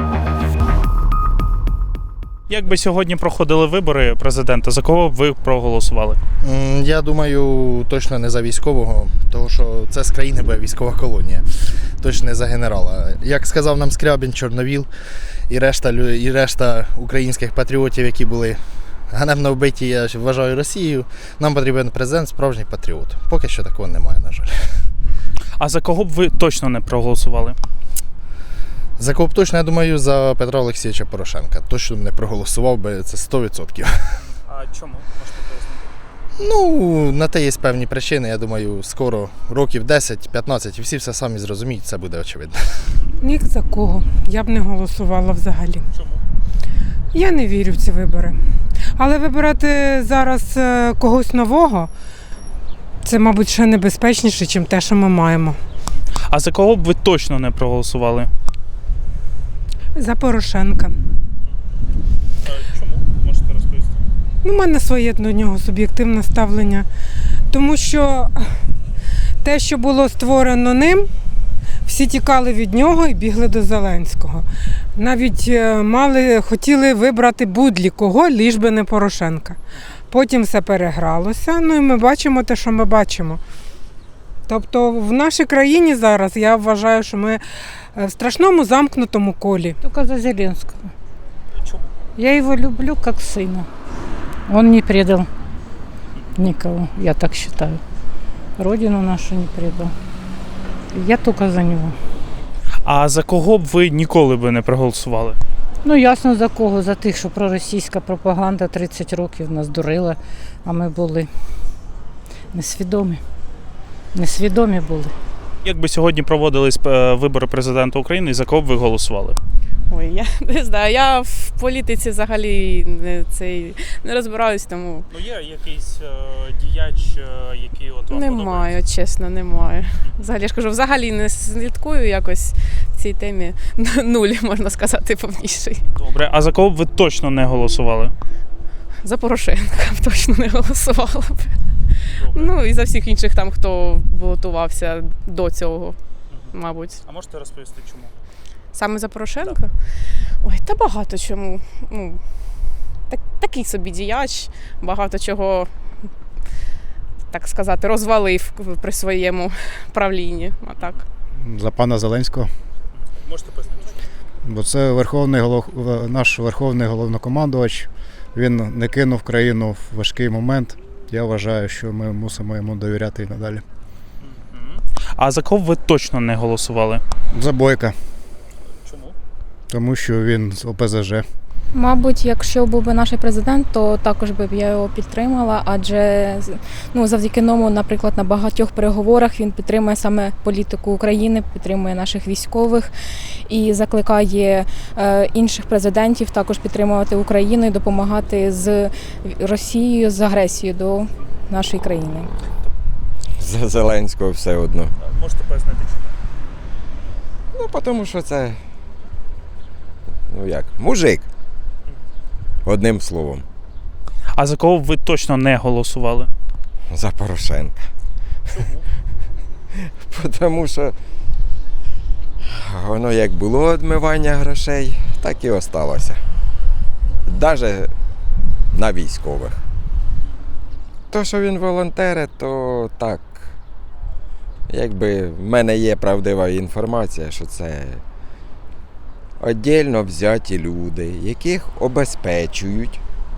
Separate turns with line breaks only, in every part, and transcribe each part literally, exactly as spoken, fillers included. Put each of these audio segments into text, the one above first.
Як би сьогодні проходили вибори президента, за кого б ви проголосували?
М, Я думаю, точно не за військового, тому що це з країни буде військова колонія. Точно не за генерала. Як сказав нам Скрябін, Чорновіл і решта, лю- і решта українських патріотів, які були ганебно вбиті, я вважаю, Росією, нам потрібен президент, справжній патріот. Поки що такого немає, на жаль.
А за кого б ви точно не проголосували?
За кого б точно, я думаю, за Петра Олексійовича Порошенка. Точно не проголосував би, це сто відсотків.
А чому? Можете пояснити?
Ну, на те є певні причини, я думаю, скоро, років десять-п'ятнадцять, і всі все самі зрозуміють, це буде очевидно.
Ні за кого. Я б не голосувала взагалі.
Чому?
Я не вірю в ці вибори. Але вибирати зараз е, когось нового, це, мабуть, ще небезпечніше, ніж те, що ми маємо.
А за кого б ви точно не проголосували?
За Порошенка.
Чому? Можете розповісти?
Ну, у мене своє до нього суб'єктивне ставлення. Тому що те, що було створено ним, всі тікали від нього і бігли до Зеленського. Навіть е, мали, хотіли вибрати будь-лі кого, ліж би не Порошенка. Потім все перегралося, ну і ми бачимо те, що ми бачимо. Тобто в нашій країні зараз я вважаю, що ми в страшному замкнутому колі.
Только за Зеленского.
Чому?
Я его люблю как сына. Он не предал никого, я так считаю. Родину нашу не предал. Я только за него.
А за кого б ви ніколи би не проголосували?
Ну, ясно за кого, за тих, що проросійська пропаганда тридцять років нас дурила, а ми були несвідомі. Несвідомі були.
Як би сьогодні проводились е, вибори президента України, за кого б ви голосували?
Ой, я не знаю, я в політиці взагалі не, цей, не розбираюсь, тому
Ну є якийсь е, діяч, е, який от вам
немає, чесно, немає. Взагалі, я ж кажу, взагалі не слідкую якось в цій темі. Нуль, можна сказати, повніший.
Добре, а за кого б ви точно не голосували?
За Порошенка б точно не голосувала б.
Добре.
Ну і за всіх інших там, хто балотувався до цього, мабуть.
А можете розповісти, чому?
Саме за Порошенка? Ой, та багато чому. Ну, так, такий собі діяч, багато чого, так сказати, розвалив при своєму правлінні. А так.
За пана Зеленського.
Можете пояснити, чому?
Бо це верховний голов... наш верховний головнокомандувач. Він не кинув країну в важкий момент. Я вважаю, що ми мусимо йому довіряти і надалі.
А за кого б ви точно не голосували?
За Бойка,
Чому?
тому що він з О Пе Зе Же.
Мабуть, якщо був би наш президент, то також би б я його підтримала, адже ну, завдяки ньому, наприклад, на багатьох переговорах він підтримує саме політику України, підтримує наших військових і закликає е, інших президентів також підтримувати Україну і допомагати з Росією, з агресією до нашої країни.
За Зеленського все одно.
Можете пояснити, чому?
Ну, тому що це, ну як, мужик. Одним словом,
А за кого б ви точно не голосували?
за Порошенка.
Чому?
Тому що воно як було відмивання грошей, так і осталося. Навіть на військових. То, що він волонтери, то так. Якби в мене є правдива інформація, що це віддільно взяті люди, яких обезпечують,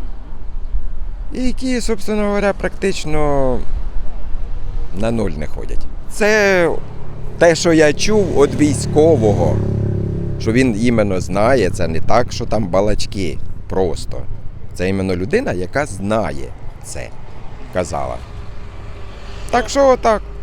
і які, собственно говоря, практично на нуль не ходять. Це те, що я чув від військового, що він іменно знає, це не так, що там балачки просто. Це іменно людина, яка знає це, казала. Так що отак.